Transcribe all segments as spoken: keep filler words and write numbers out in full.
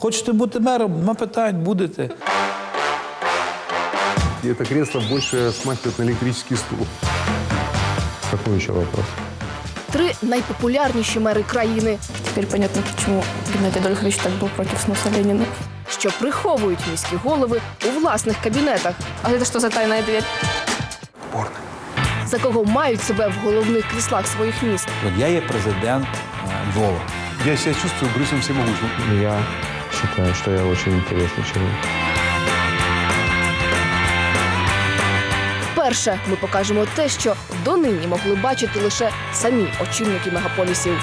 Хочете бути мером? Нема питань, будете. И это кресло больше смахивает на электрический стул. Какой еще вопрос? Три найпопулярніші мери країни, Теперь понятно, почему Геннадий Адольфович так был против сноса Ленина. що приховують міські голови у власних кабінетах. А это что за тайная дверь? За кого мають себе в головних кріслах своїх міст. От я є президент е, Львова. Я себя чувствую Брюсом Всемогущим. Я считаю, что я очень интересный человек. Вперше ми покажемо те, що донині могли бачити лише самі очільники мегаполісів.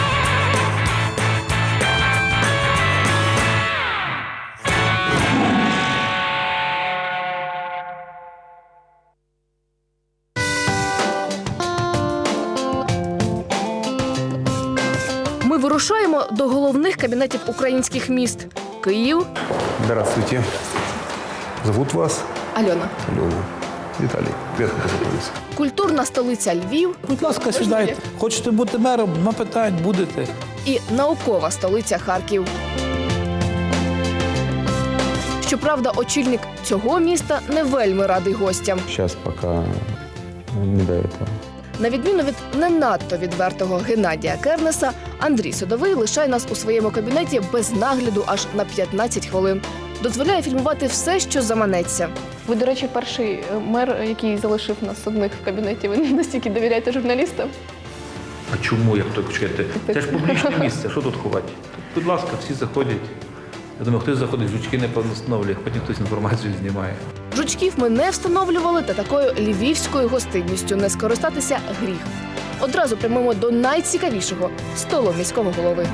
Ми вирушаємо до головних кабінетів українських міст. Київ, Здравствуйте. Зовут вас? Алена. Алена. Виталий. Приятно познакомиться. культурна столиця Львів Будь ласка, сідайте. Хочете бути мером? Нема питань, будете. і наукова столиця Харків. Щоправда, очільник цього міста не вельми радий гостям. Сейчас пока не до этого. На відміну від не надто відвертого Геннадія Кернеса, Андрій Садовий лишає нас у своєму кабінеті без нагляду аж на п'ятнадцять хвилин. Дозволяє фільмувати все, що заманеться. Ви, до речі, перший мер, який залишив нас одних в кабінеті. Ви настільки довіряєте журналістам? А чому, як то почекайте? Це ж публічне місце, що тут ховати? Будь ласка, всі заходять. Я думаю, хтось заходить, жучки не встановлює, потім хтось інформацію знімає. Жучків ми не встановлювали, та такою львівською гостинністю не скористатися гріх. Одразу прямуємо до найцікавішого – столу міського голови.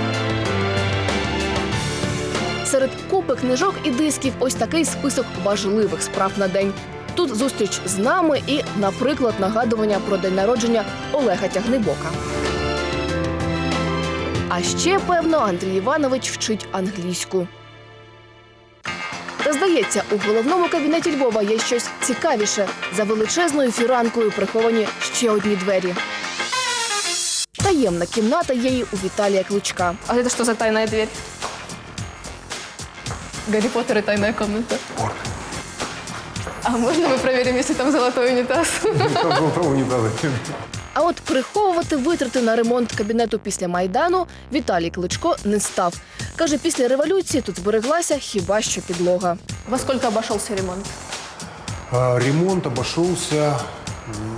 Серед купи книжок і дисків ось такий список важливих справ на день. Тут зустріч з нами і, наприклад, нагадування про день народження Олега Тягнибока. А ще, певно, Андрій Іванович вчить англійську. Та, здається, у головному кабінеті Львова є щось цікавіше. За величезною фіранкою приховані ще одні двері. Таємна кімната є і у Віталія Кличка. А это что за тайная дверь? Гарри Поттер и тайная комната. А можно мы проверим, если там золотой унитаз? Там золотого унитаза. А от приховувати витрати на ремонт кабінету після Майдану Віталій Кличко не став. Каже, після революції тут збереглася хіба що підлога. Во сколько обошелся ремонт? А, ремонт обошелся ну,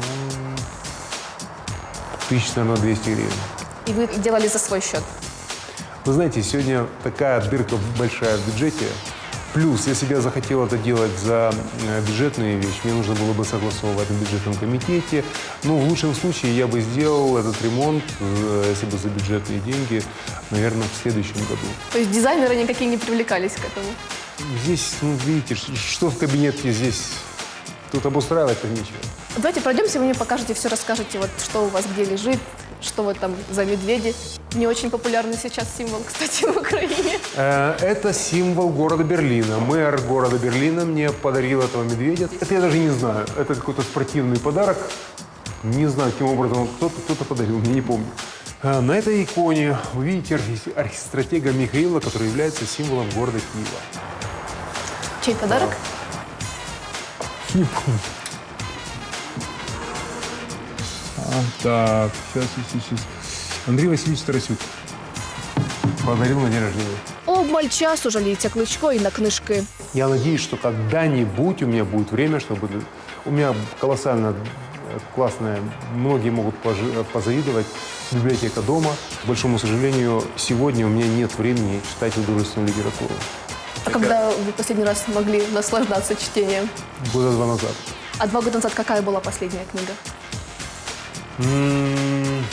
тысяч, наверное, двести гривен. И вы делали за свой счет? Вы знаете, сегодня такая дырка большая в бюджете. Плюс, если бы я захотел это делать за э, бюджетную вещь, мне нужно было бы согласовывать в бюджетном комитете. Но в лучшем случае я бы сделал этот ремонт, э, если бы за бюджетные деньги, наверное, в следующем году. То есть дизайнеры никакие не привлекались к этому? Здесь, ну, видите, ш- что в кабинетке здесь, тут обустраивать-то нечего. Давайте пройдемся, вы мне покажете, все расскажете, вот что у вас где лежит, что вот там за медведи. Не очень популярный сейчас символ, кстати, в Украине. Э, Это символ города Берлина. Мэр города Берлина мне подарил этого медведя. Это я даже не знаю. Это какой-то спортивный подарок. Не знаю, каким образом кто-то, кто-то подарил, мне не помню. Э, На этой иконе вы видите архи- архистратега Михаила, который является символом города Киева. Чей подарок? Не помню. А, так, сейчас, сейчас, сейчас. Андрей Васильевич Тарасюк. Подарил на день рождения. Обмаль часу жаліється Кличко і на книжки. Я надеюсь, что когда-нибудь у меня будет время, чтобы... У меня колоссально э, классная, многие могут пожи- позавидовать, библиотека дома. К большому сожалению, сегодня у меня нет времени читать художественную литературу. А когда вы последний раз могли наслаждаться чтением? Года два назад. А два года назад какая была последняя книга? М,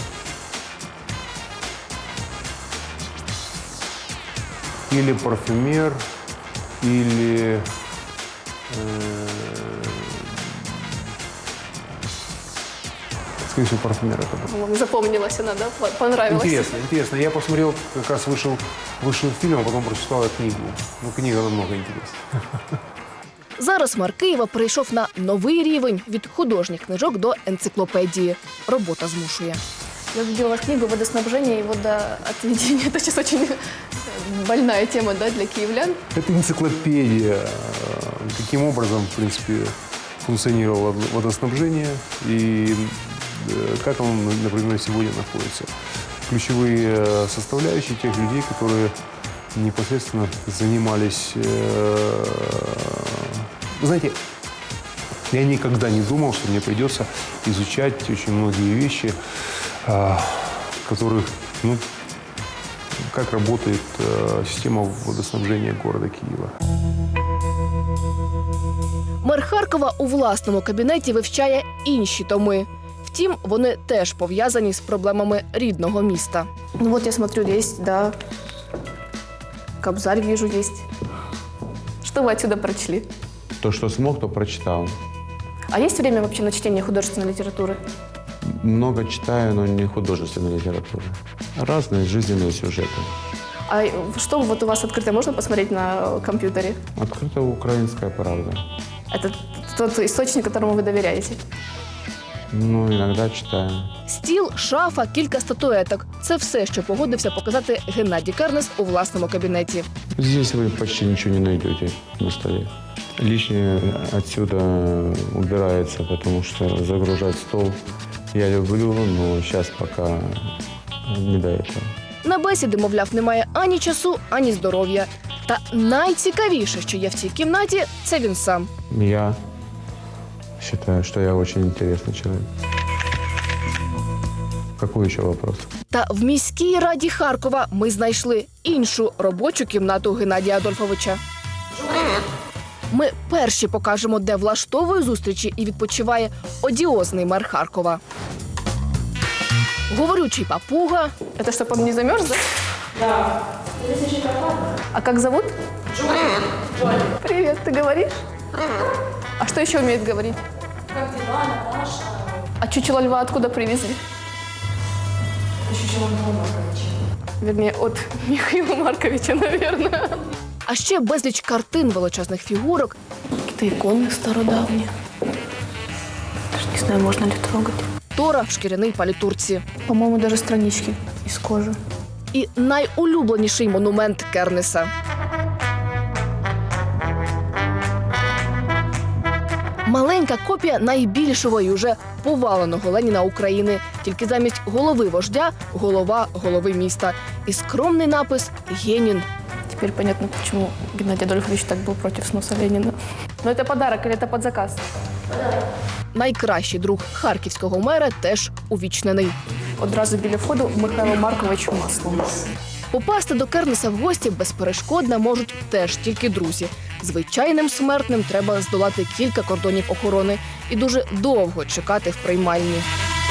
Или парфюмер, или... э, Скорее всего, парфюмер это был. Вам запомнилась она, да? По- Понравилась? Интересно, интересно. Я посмотрел, как раз вышел, вышел фильм, а потом прочитал книгу. Ну, книга намного интереснее. Зараз мер Києва перейшов на новий рівень – від художніх книжок до енциклопедії. Робота змушує. Я видела вашу книгу «Водоснабжение и водоотведение». Это сейчас очень больная тема, да, для киевлян. Это энциклопедия, каким образом, в принципе, функционировало водоснабжение и э, как оно, например, сегодня находится. Ключевые составляющие тех людей, которые непосредственно занимались... Э, вы знаете, я никогда не думал, что мне придется изучать очень многие вещи, э, которых, ну, как работает э, система водоснабжения города Киева. Мер Харкова у власному кабінеті вивчає інші томи. Втім, вони теж пов'язані з проблемами рідного міста. Ну вот я смотрю, есть, да, Кобзарь вижу, есть. Что вы отсюда прочли? То, что смог, то прочитал. А есть время вообще на чтение художественной литературы? Много читаю, но не художественной литературы. Разные жизненные сюжеты. А что вот у вас открыто можно посмотреть на компьютере? Открыта украинская правда. Это тот источник, которому вы доверяете? Ну, иногда читаю. Стіл, шафа, кілька статуеток – це все, що погодився показати Геннадій Кернес у власному кабінеті. Здесь вы почти ничего не найдете на столе. Лишнее отсюда убирается, потому что загружать стол я люблю, но сейчас пока не до этого. На бесіди, мовляв, немає ані часу, ані здоров'я. Та найцікавіше, що є в цій кімнаті – це він сам. Я считаю, что я очень интересный человек. Какой еще вопрос? Та в міській раді Харкова ми знайшли іншу робочу кімнату Геннадія Адольфовича. Ми перші покажемо, де влаштовує зустрічі і відпочиває одіозний мер Харкова. Говорючий папуга, Это чтобы он не замерз, да? Да. А как зовут? Джоли. Привет, ты говоришь? А что еще умеет говорить? Как дела, Наташа? А чучело льва откуда привезли? Чучело Михаила Марковича. Вернее, от Михаила Марковича, наверное. а ще безліч картин величезних фігурок Какие-то иконы стародавние. Даже не знаю, можно ли трогать. Тора в шкіряній палітурці. По-моему, даже странички из кожи. І найулюбленіший монумент Кернеса. Маленька копія найбільшого і уже поваленого Леніна України. Тільки замість голови вождя – голова голови міста. І скромний напис «Генін». Теперь понятно, почему Геннадий Адольфович так был против сноса Ленина. Но это подарок или это под заказ? Найкращий друг харківського мера теж увічнений. Одразу біля входу Михайло Маркович маслом. Попасти до Кернеса в гості безперешкодно можуть теж тільки друзі. Звичайним смертним треба здолати кілька кордонів охорони і дуже довго чекати в приймальні.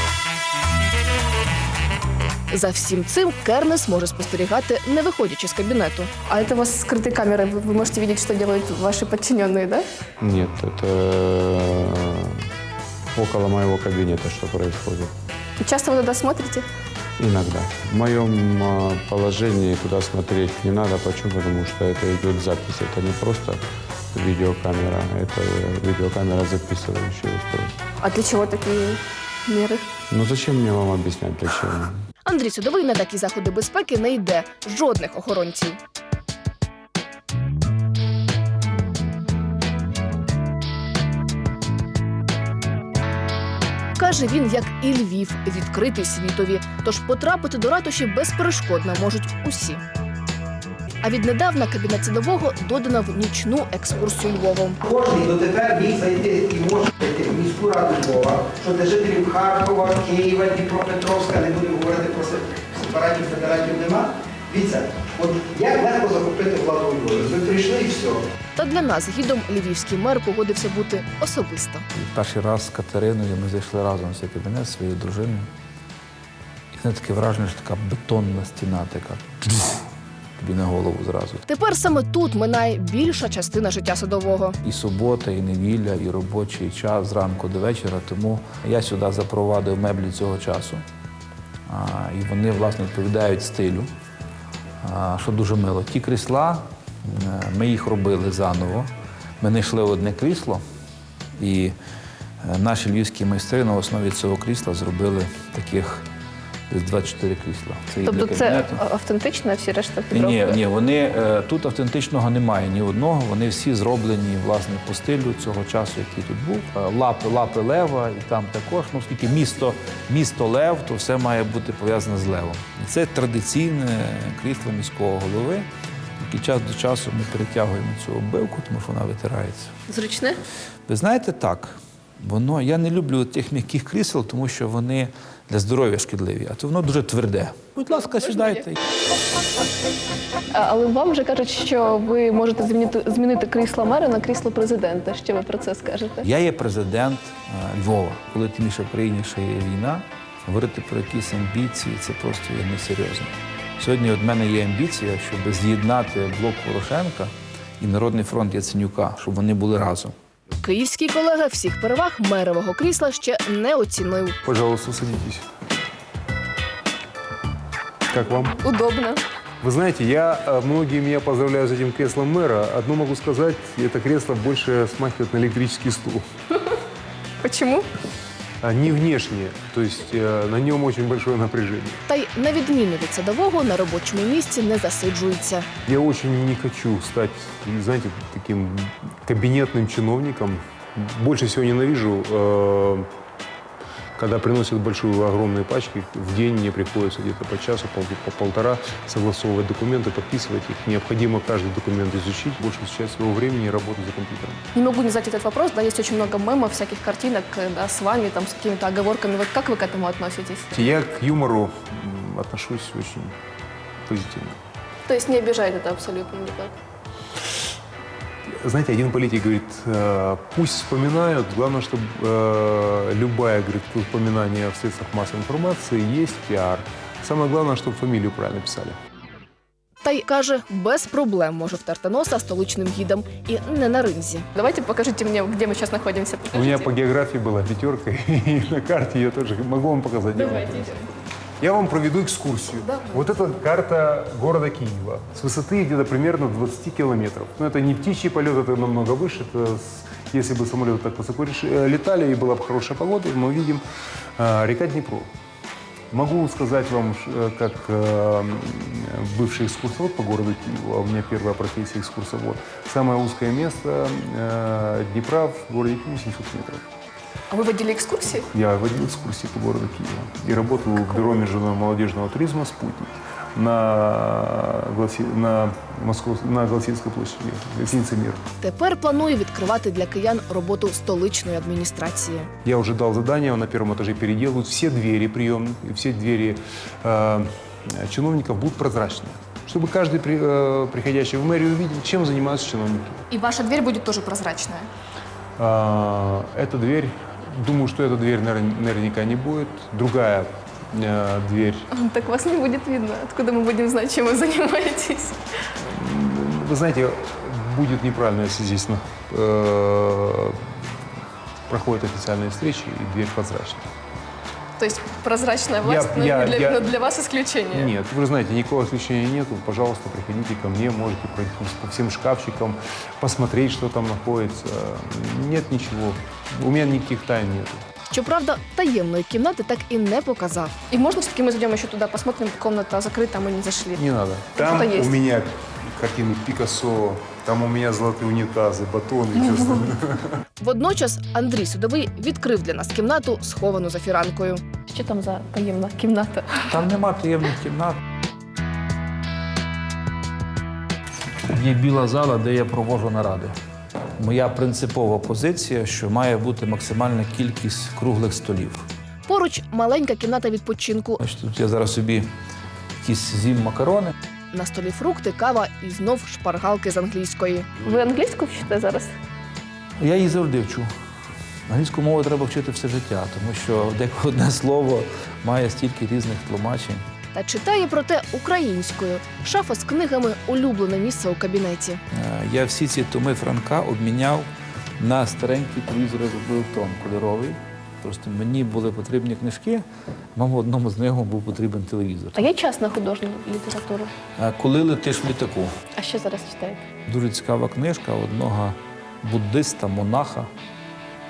За всім цим Кернес може спостерігати, не виходячи з кабінету. А это у вас скрытые камеры, вы вы можете видеть, что делают ваши подчиненные, да? Нет, это около моего кабинета, что происходит. И часто вы туда смотрите? Иногда. В моем а, положении туда смотреть не надо. Почему? Потому что это идет запись. Это не просто видеокамера, это видеокамера записывающая устройство. А для чего такие меры? Ну зачем мне вам объяснять, для чего? Андрій Судовий на такі заходи безпеки не йде. Жодних охоронців. Каже він, як і Львів, відкритий світові. Тож потрапити до ратуші безперешкодно можуть усі. А віднедавна кабінет садового додано в нічну екскурсію Львовом. Кожний дотепер міг зайти і може зайти в міську раду Львова, що для жителів Харкова, Києва, Дніпропетровська, не будемо говорити про сепаратів, федератів нема. Дивіться, от як легко захопити владу у Львові. Ви прийшли і все. Та для нас гідом львівський мер погодився бути особисто. Перший раз з Катериною ми зайшли разом в цей кабінет зі своєю дружиною. І це таке враження, що така бетонна стіна така. Тобі на голову зразу. Тепер саме тут минає більша частина життя садового. І субота, і неділя, і робочий час зранку до вечора. Тому я сюди запровадив меблі цього часу. А, і вони, власне, відповідають стилю, а, що дуже мило. Ті крісла, ми їх робили заново. Ми знайшли одне крісло, і наші львівські майстри на основі цього крісла зробили таких десь двадцять чотири крісла. Це і для Тобто це кабінету. автентично, а всі решта Ні, підробки? ні, вони е, тут автентичного немає ні одного. Вони всі зроблені власне по стилю цього часу, який тут був. Е, Лапи, лапи лева, і там також. Ну, оскільки місто, місто Лев, то все має бути пов'язане з левом. І це традиційне крісло міського голови. І час до часу ми перетягуємо цю оббивку, тому що вона витирається. Зручне? Ви знаєте, так, воно, я не люблю тих м'яких крісел, тому що вони для здоров'я шкідливі, а то воно дуже тверде. Будь ласка, сідайте. А, але вам вже кажуть, що ви можете змінити, змінити крісло мера на крісло президента. Що ви про це скажете? Я є президент е, Львова. Коли тим більше в країні ще є війна, говорити про якісь амбіції – це просто є несерйозно. Сьогодні від мене є амбіція, щоб з'єднати блок Порошенка і Народний фронт Яценюка, щоб вони були разом. Київський колега всіх переваг мерового крісла ще не оцінив. Пожалуйста, садитесь. Как вам? Удобно. Вы знаете, я, э, многие меня поздравляют с этим креслом мэра. Одно могу сказать, это кресло больше смахивает на электрический стул. Почему? А не внешне, то есть э, на нем очень большое напряжение. Та й на відміну від садового на робочому місці не засиджується. Я очень не хочу стать, знаете, таким кабинетным чиновником. Больше всего ненавижу, э, когда приносят большую, огромные пачки. В день мне приходится где-то по часу, пол, по полтора согласовывать документы, подписывать их. Необходимо каждый документ изучить. Большую часть своего времени работать за компьютером. Не могу не задать этот вопрос. Да, есть очень много мемов, всяких картинок, да, с вами, там, с какими-то оговорками. Вот как вы к этому относитесь? Я к юмору м, отношусь очень позитивно. То есть не обижает это абсолютно никак? Знаете, один политик говорит, э, пусть вспоминают, главное, чтобы э, любое, говорит, упоминание в средствах массовой информации есть пиар. Самое главное, чтобы фамилию правильно писали. Та й каже, без проблем може втерти носа столичним гідам і не на ринзі. Давайте покажите мне, где мы сейчас находимся. У Покажите. меня по географии была пятерка, и на карте я тоже могу вам показать. Давайте. Я вам проведу экскурсию. Вот это карта города Киева. С высоты где-то примерно двадцать километров. Но это не птичий полет, это намного выше. Это с- если бы самолеты так высоко реш- э, летали и была бы хорошая погода, мы увидим э, река Днепро. Могу сказать вам, ш- э, как э, бывший экскурсовод по городу Киеву, а у меня первая профессия экскурсовод, самое узкое место э, Днепра в городе Киеве семьсот метров. А вы водили экскурсии? Я водил экскурсии по городу Киева и работал в бюро международного молодежного туризма «Спутник» на, Гласи... на, Москов... на Голосіївській площади, гостиница «Мир». Тепер планує відкривати для киян роботу столичної адміністрації. Я уже дал задание, на первом этаже переделают все двери приемные, все двери э, чиновников будут прозрачные, чтобы каждый при- э, приходящий в мэрию увидел, чем занимаются чиновники. И ваша дверь будет тоже прозрачная? А, эта дверь, думаю, что эта дверь навер- наверняка не будет. Другая э, дверь. Так вас не будет видно. Откуда мы будем знать, чем вы занимаетесь? Вы знаете, будет неправильно, если здесь э, проходят официальные встречи и дверь прозрачная. То есть прозрачная власть, Я- но, я- не для, я- но для вас исключение? Нет, вы знаете, никакого исключения нету. Пожалуйста, приходите ко мне, можете пройти по всем шкафчикам, посмотреть, что там находится. Нет ничего. У меня никаких тайн нету. Щоправда, таємної кімнати так і не показав. И можно все-таки мы зайдем еще туда, посмотрим, комната закрыта, мы не зашли? Не надо. Там Что-то есть. у меня картины Пикассо, там у меня золотые унитазы, батоны и все остальное. Водночас Андрій Судовий відкрив для нас кімнату, сховану за фіранкою. Что там за таемная комната? Там нема таємних кімнат. Є біла зала, де я проводжу наради. Моя принципова позиція, що має бути максимальна кількість круглих столів. Поруч маленька кімната відпочинку. Значить, тут я зараз собі якісь з'їм макарони. На столі фрукти, кава і знов шпаргалки з англійської. Ви англійську вчите зараз? Я її завжди вчу. Англійську мову треба вчити все життя, тому що деколи одне слово має стільки різних тлумачень. Та читає проте українською. Шафа з книгами – улюблене місце у кабінеті. Е, Я всі ці томи Франка обміняв на старенький телевізор Велтон кольоровий. Просто мені були потрібні книжки, мабуть, одному з них був потрібен телевізор. А є час на художню літературу? Е, Коли летиш в літаку. А що зараз читаєте? Дуже цікава книжка одного буддиста, монаха.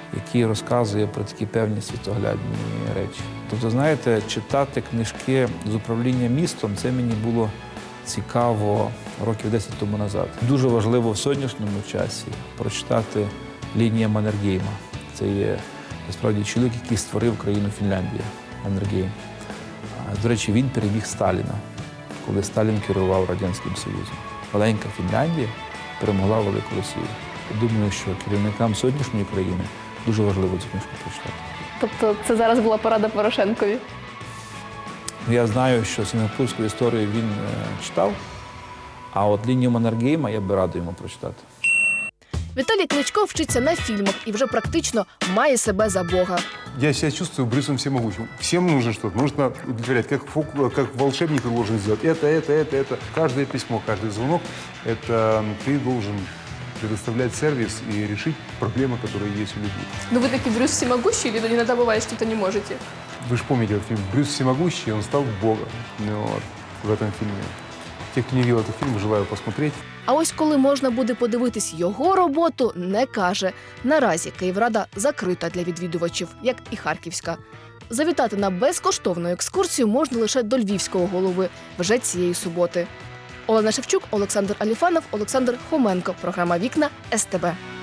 який розказує про такі певні світоглядні речі. Тобто, знаєте, читати книжки з управління містом, це мені було цікаво років десять тому назад. Дуже важливо в сьогоднішньому часі прочитати Лінія Маннергейма. Це є, насправді, чоловік, який створив країну Фінляндія, Маннергейм. До речі, він переміг Сталіна, коли Сталін керував Радянським Союзом. Маленька Фінляндія перемогла велику Росію. Я думаю, що керівникам сьогоднішньої країни дуже важливо цю книжку прочитати. Тобто це зараз була порада Порошенкові? Я знаю, що сінгапурську історію він е, читав, а от Лінію Маннергейма я би радий йому прочитати. Віталій Кличко вчиться на фільмах і вже практично має себе за Бога. Я себя чувствую Брюсом всемогущим. Всем нужно что-то, нужно удовлетворять. Как, фок- как волшебник ты должен сделать это, это, это, это. Каждое письмо, каждый звонок, это ты должен предоставлять сервис и решить проблемы, которые есть у людей. Ну вы такой Брюс всемогущий, или иногда бывает, что-то не можете? Вы же помните этот фильм «Брюс всемогущий», он стал богом, ну, вот, в этом фильме. Те, кто не видел этот фильм, желаю посмотреть. А ось коли можна буде подивитись його роботу, не каже. Наразі Київрада закрита для відвідувачів, як і Харківська. Завітати на безкоштовну екскурсію можна лише до львівського голови вже цієї суботи. Олена Шевчук, Олександр Аліфанов, Олександр Хоменко. Програма «Вікна» ес те бе.